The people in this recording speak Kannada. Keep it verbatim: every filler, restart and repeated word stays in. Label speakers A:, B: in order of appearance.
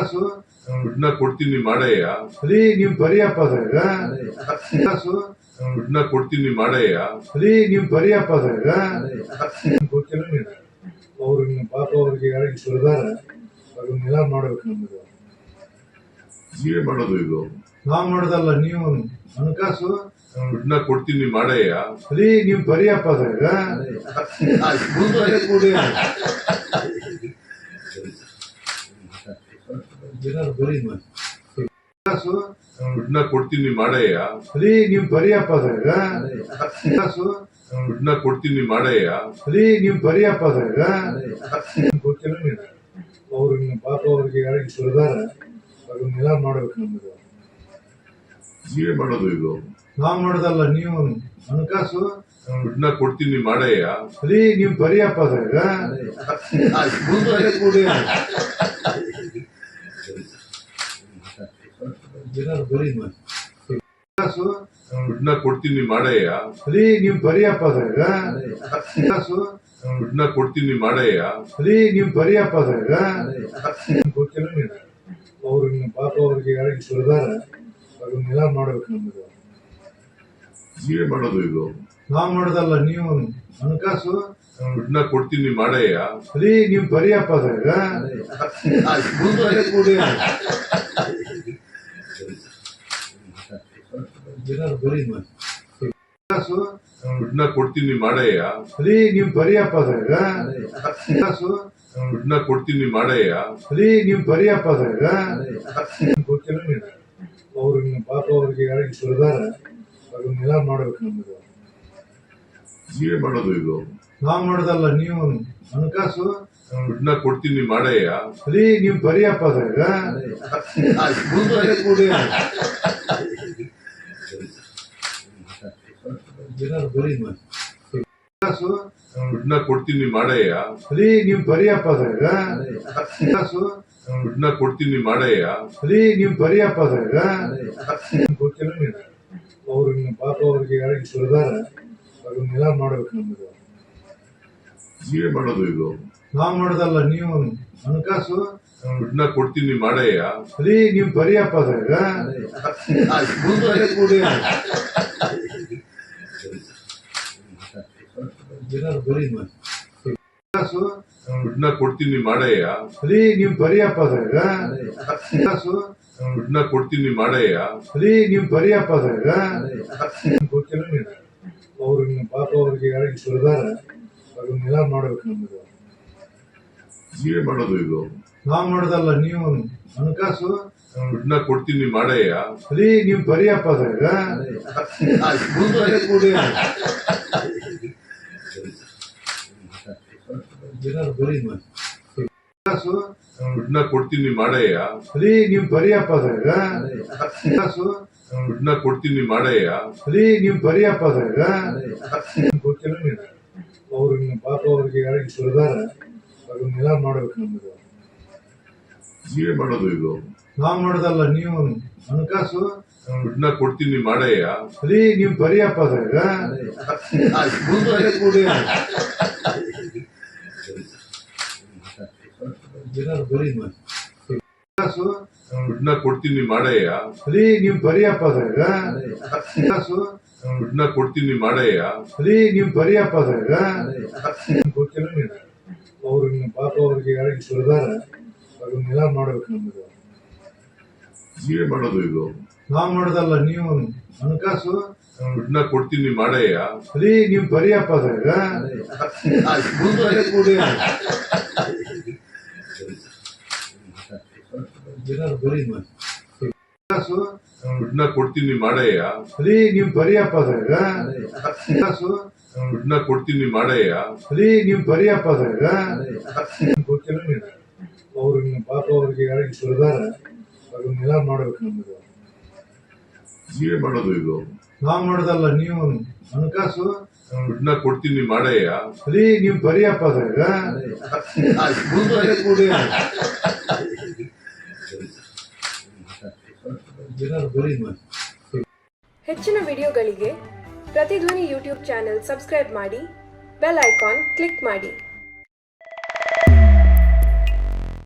A: ಹಣಕಾಸು
B: ದುಡ್ಡನ್ನ ಕೊಡ್ತೀನಿ ಮಾಡಯ್ಯ.
A: ರೀ ನೀವ್ ಬರಿಯಪ್ಪ ಅದ್ರಾಗ ಹಣಕಾಸು
B: ದುಡ್ಡನ್ನ ಕೊಡ್ತೀನಿ ಮಾಡಯ್ಯ.
A: ರೀ ನೀವ್ ಬರಿಯಪ್ಪ ಅದ್ರಾಗ ಗೊತ್ತಿಲ್ಲ ನೀನು ಅವ್ರಿಗೆ ಪಾಪ ಅವ್ರಿಗೆ ಯಾರಿಗೆ ಸುರಿದಾರ ಅದನ್ನೆಲ್ಲ ಮಾಡ್ಬೇಕು ನಮ್ಗೆ.
B: ನೀವೇ ಮಾಡೋದು ಇದು?
A: ನಾವ್ ಮಾಡೋದಲ್ಲ, ನೀವು ಹಣಕಾಸು
B: ದುಡ್ಡನ್ನ ಕೊಡ್ತೀನಿ ಮಾಡಯ್ಯ.
A: ರೀ ನೀವ್ ಬರಿಯಪ್ಪ ಅದ್ರಾಗ ಕೂಡಿ ಏನಾದ್ರು ಬರೀ ಹಣಕಾಸು
B: ದುಡ್ಡನ್ನ ಕೊಡ್ತೀನಿ ಮಾಡಯ್ಯ.
A: ರೀ ನೀವ್ ಬರಿಯಪ್ಪ ಅದ್ರಾಗ ಹಣಕಾಸು
B: ದುಡ್ಡನ್ನ ಕೊಡ್ತೀನಿ ಮಾಡಯ್ಯ.
A: ರೀ ನೀವ್ ಬರಿಯಪ್ಪ ಅದ್ರಾಗ ಗೊತ್ತಿಲ್ಲ ನೀನು ಅವ್ರಿಗೆ ಪಾಪ ಅವ್ರಿಗೆ ಯಾರಿಗೆ ಸುರಿದಾರ ಅದನ್ನೆಲ್ಲ ಮಾಡ್ಬೇಕು ನಮ್ಗೆ.
B: ನೀವೇ ಮಾಡೋದು ಇದು?
A: ನಾವ್ ಮಾಡೋದಲ್ಲ, ನೀವು ಹಣಕಾಸು
B: ದುಡ್ಡನ್ನ ಕೊಡ್ತೀನಿ ಮಾಡಯ್ಯ.
A: ರೀ ನೀವ್ ಬರಿಯಪ್ಪ ಅದ್ರಾಗ ಕೂಡಿ ಏನಾದ್ರು ಬರೀ ಹಣಕಾಸು
B: ದುಡ್ಡನ್ನ ಕೊಡ್ತೀನಿ ಮಾಡಯ್ಯ.
A: ರೀ ನೀವ್ ಬರಿಯಪ್ಪ ಅದ್ರಾಗ ಹಣಕಾಸು
B: ದುಡ್ಡನ್ನ ಕೊಡ್ತೀನಿ ಮಾಡಯ್ಯ.
A: ರೀ ನೀವ್ ಬರಿಯಪ್ಪ ಅದ್ರಾಗ ಗೊತ್ತಿಲ್ಲ ನೀನು ಅವ್ರಿಗೆ ಪಾಪ ಅವ್ರಿಗೆ ಯಾರಿಗೆ ಸುರಿದಾರ ಅದನ್ನೆಲ್ಲ ಮಾಡ್ಬೇಕು ನಮ್ಗೆ.
B: ನೀವೇ ಮಾಡೋದು ಇದು?
A: ನಾವ್ ಮಾಡೋದಲ್ಲ, ನೀವು ಹಣಕಾಸು
B: ದುಡ್ಡನ್ನ ಕೊಡ್ತೀನಿ ಮಾಡಯ್ಯ.
A: ರೀ ನೀವ್ ಬರಿಯಪ್ಪ ಅದ್ರಾಗ ಕೂಡಿ ಏನಾದ್ರು ಬರೀ ಹಣಕಾಸು
B: ದುಡ್ಡನ್ನ ಕೊಡ್ತೀನಿ ಮಾಡಯ್ಯ.
A: ರೀ ನೀವ್ ಬರಿಯಪ್ಪ ಅದ್ರಾಗ ಹಣಕಾಸು
B: ದುಡ್ಡನ್ನ ಕೊಡ್ತೀನಿ ಮಾಡಯ್ಯ.
A: ರೀ ನೀವ್ ಬರಿಯಪ್ಪ ಅದ್ರಾಗ ಗೊತ್ತಿಲ್ಲ ನೀನು ಅವ್ರಿಗೆ ಪಾಪ ಅವ್ರಿಗೆ ಯಾರಿಗೆ ಸುರಿದಾರ ಅದನ್ನೆಲ್ಲ ಮಾಡ್ಬೇಕು ನಮ್ಗೆ.
B: ನೀವೇ ಮಾಡೋದು ಇದು?
A: ನಾವ್ ಮಾಡೋದಲ್ಲ, ನೀವು ಹಣಕಾಸು
B: ದುಡ್ಡನ್ನ ಕೊಡ್ತೀನಿ ಮಾಡಯ್ಯ.
A: ರೀ ನೀವ್ ಬರಿಯಪ್ಪ ಅದ್ರಾಗ ಕೂಡಿ ಏನಾದ್ರು ಬರೀ ಹಣಕಾಸು
B: ದುಡ್ಡನ್ನ ಕೊಡ್ತೀನಿ ಮಾಡಯ್ಯ.
A: ರೀ ನೀವ್ ಬರಿಯಪ್ಪ ಅದ್ರಾಗ ಹಣಕಾಸು
B: ದುಡ್ಡನ್ನ ಕೊಡ್ತೀನಿ ಮಾಡಯ್ಯ.
A: ರೀ ನೀವ್ ಬರಿಯಪ್ಪ ಅದ್ರಾಗ ಗೊತ್ತಿಲ್ಲ ನೀನು ಅವ್ರಿಗೆ ಪಾಪ ಅವ್ರಿಗೆ ಯಾರಿಗೆ ಸುರಿದಾರ ಅದನ್ನೆಲ್ಲ ಮಾಡ್ಬೇಕು ನಮ್ಗೆ.
B: ನೀವೇ ಮಾಡೋದು ಇದು?
A: ನಾವ್ ಮಾಡೋದಲ್ಲ, ನೀವು ಹಣಕಾಸು
B: ದುಡ್ಡನ್ನ ಕೊಡ್ತೀನಿ ಮಾಡಯ್ಯ.
A: ರೀ ನೀವ್ ಬರಿಯಪ್ಪ ಅದ್ರಾಗ ಕೂಡಿ ಏನಾದ್ರು ಬರೀ ಹಣಕಾಸು
B: ದುಡ್ಡನ್ನ ಕೊಡ್ತೀನಿ ಮಾಡಯ್ಯ.
A: ರೀ ನೀವ್ ಬರಿಯಪ್ಪ ಅದ್ರಾಗ ಹಣಕಾಸು
B: ದುಡ್ಡನ್ನ ಕೊಡ್ತೀನಿ ಮಾಡಯ್ಯ.
A: ರೀ ನೀವ್ ಬರಿಯಪ್ಪ ಅದ್ರಾಗ ಗೊತ್ತಿಲ್ಲ ನೀನು ಅವ್ರಿಗೆ ಪಾಪ ಅವ್ರಿಗೆ ಯಾರಿಗೆ ಸುರಿದಾರ ಅದನ್ನೆಲ್ಲ ಮಾಡ್ಬೇಕು ನಮ್ಗೆ.
B: ನೀವೇ ಮಾಡೋದು ಇದು?
A: ನಾವ್ ಮಾಡೋದಲ್ಲ, ನೀವು ಹಣಕಾಸು
B: ದುಡ್ಡನ್ನ ಕೊಡ್ತೀನಿ ಮಾಡಯ್ಯ.
A: ರೀ ನೀವ್ ಬರಿಯಪ್ಪ ಅದ್ರಾಗ ಕೂಡಿ ಏನಾದ್ರು ಬರೀ ಹಣಕಾಸು
B: ದುಡ್ಡನ್ನ ಕೊಡ್ತೀನಿ ಮಾಡಯ್ಯ.
A: ರೀ ನೀವ್ ಬರಿಯಪ್ಪ ಅದ್ರಾಗ ಹಣಕಾಸು
B: ದುಡ್ಡನ್ನ ಕೊಡ್ತೀನಿ ಮಾಡಯ್ಯ.
A: ರೀ ನೀವ್ ಬರಿಯಪ್ಪ ಅದ್ರಾಗ ಗೊತ್ತಿಲ್ಲ ನೀನು ಅವ್ರಿಗೆ ಪಾಪ ಅವ್ರಿಗೆ ಯಾರಿಗೆ ಸುರಿದಾರ ಅದನ್ನೆಲ್ಲ ಮಾಡ್ಬೇಕು ನಮ್ಗೆ.
B: ನೀವೇ ಮಾಡೋದು ಇದು?
A: ನಾವ್ ಮಾಡೋದಲ್ಲ, ನೀವು ಹಣಕಾಸು
B: ದುಡ್ಡನ್ನ ಕೊಡ್ತೀನಿ ಮಾಡಯ್ಯ.
A: ರೀ ನೀವ್ ಬರಿಯಪ್ಪ ಅದ್ರಾಗ ಕೂಡಿ ಏನಾದ್ರು ಬರೀ ಹಣಕಾಸು
B: ದುಡ್ಡನ್ನ ಕೊಡ್ತೀನಿ ಮಾಡಯ್ಯ.
A: ರೀ ನೀವ್ ಬರಿಯಪ್ಪ ಅದ್ರಾಗ ಹಣಕಾಸು
B: ದುಡ್ಡನ್ನ ಕೊಡ್ತೀನಿ ಮಾಡಯ್ಯ.
A: ರೀ ನೀವ್ ಬರಿಯಪ್ಪ ಅದ್ರಾಗ ಗೊತ್ತಿಲ್ಲ ನೀನು ಅವ್ರಿಗೆ ಪಾಪ ಅವ್ರಿಗೆ ಯಾರಿಗೆ ಸುರಿದಾರ ಅದನ್ನೆಲ್ಲ ಮಾಡ್ಬೇಕು ನಮ್ಗೆ.
B: ನೀವೇ ಮಾಡೋದು ಇದು?
A: ನಾವ್ ಮಾಡೋದಲ್ಲ, ನೀವು ಹಣಕಾಸು
B: ದುಡ್ಡನ್ನ ಕೊಡ್ತೀನಿ ಮಾಡಯ್ಯ.
A: ರೀ ನೀವ್ ಬರಿಯಪ್ಪ ಅದ್ರಾಗ ಕೂಡಿ ಏನಾದ್ರು ಬರೀ ಹಣಕಾಸು
B: ದುಡ್ಡನ್ನ ಕೊಡ್ತೀನಿ ಮಾಡಯ್ಯ.
A: ರೀ ನೀವ್ ಬರಿಯಪ್ಪ ಅದ್ರಾಗ ಹಣಕಾಸು
B: ದುಡ್ಡನ್ನ ಕೊಡ್ತೀನಿ ಮಾಡಯ್ಯ.
A: ರೀ ನೀವ್ ಬರಿಯಪ್ಪ ಅದ್ರಾಗ ಗೊತ್ತಿಲ್ಲ ನೀನು ಅವ್ರಿಗೆ ಪಾಪ ಅವ್ರಿಗೆ ಯಾರಿಗೆ ಸುರಿದಾರ ಅದನ್ನೆಲ್ಲ ಮಾಡ್ಬೇಕು ನಮ್ಗೆ.
B: ನೀವೇ ಮಾಡೋದು ಇದು?
A: ನಾವ್ ಮಾಡೋದಲ್ಲ, ನೀವು ಹಣಕಾಸು
B: ದುಡ್ಡನ್ನ ಕೊಡ್ತೀನಿ ಮಾಡಯ್ಯ.
A: ರೀ ನೀವ್ ಬರಿಯಪ್ಪ ಅದ್ರಾಗ ಕೂಡಿ ಏನಾದ್ರು ಬರೀ
C: ಹೆಚ್ಚಿನ ವಿಡಿಯೋಗಳಿಗೆ ಪ್ರತಿಧ್ವನಿ ಯೂಟ್ಯೂಬ್ ಚಾನೆಲ್ ಸಬ್ಸ್ಕ್ರೈಬ್ ಮಾಡಿ, ಬೆಲ್ ಐಕಾನ್ ಕ್ಲಿಕ್ ಮಾಡಿ.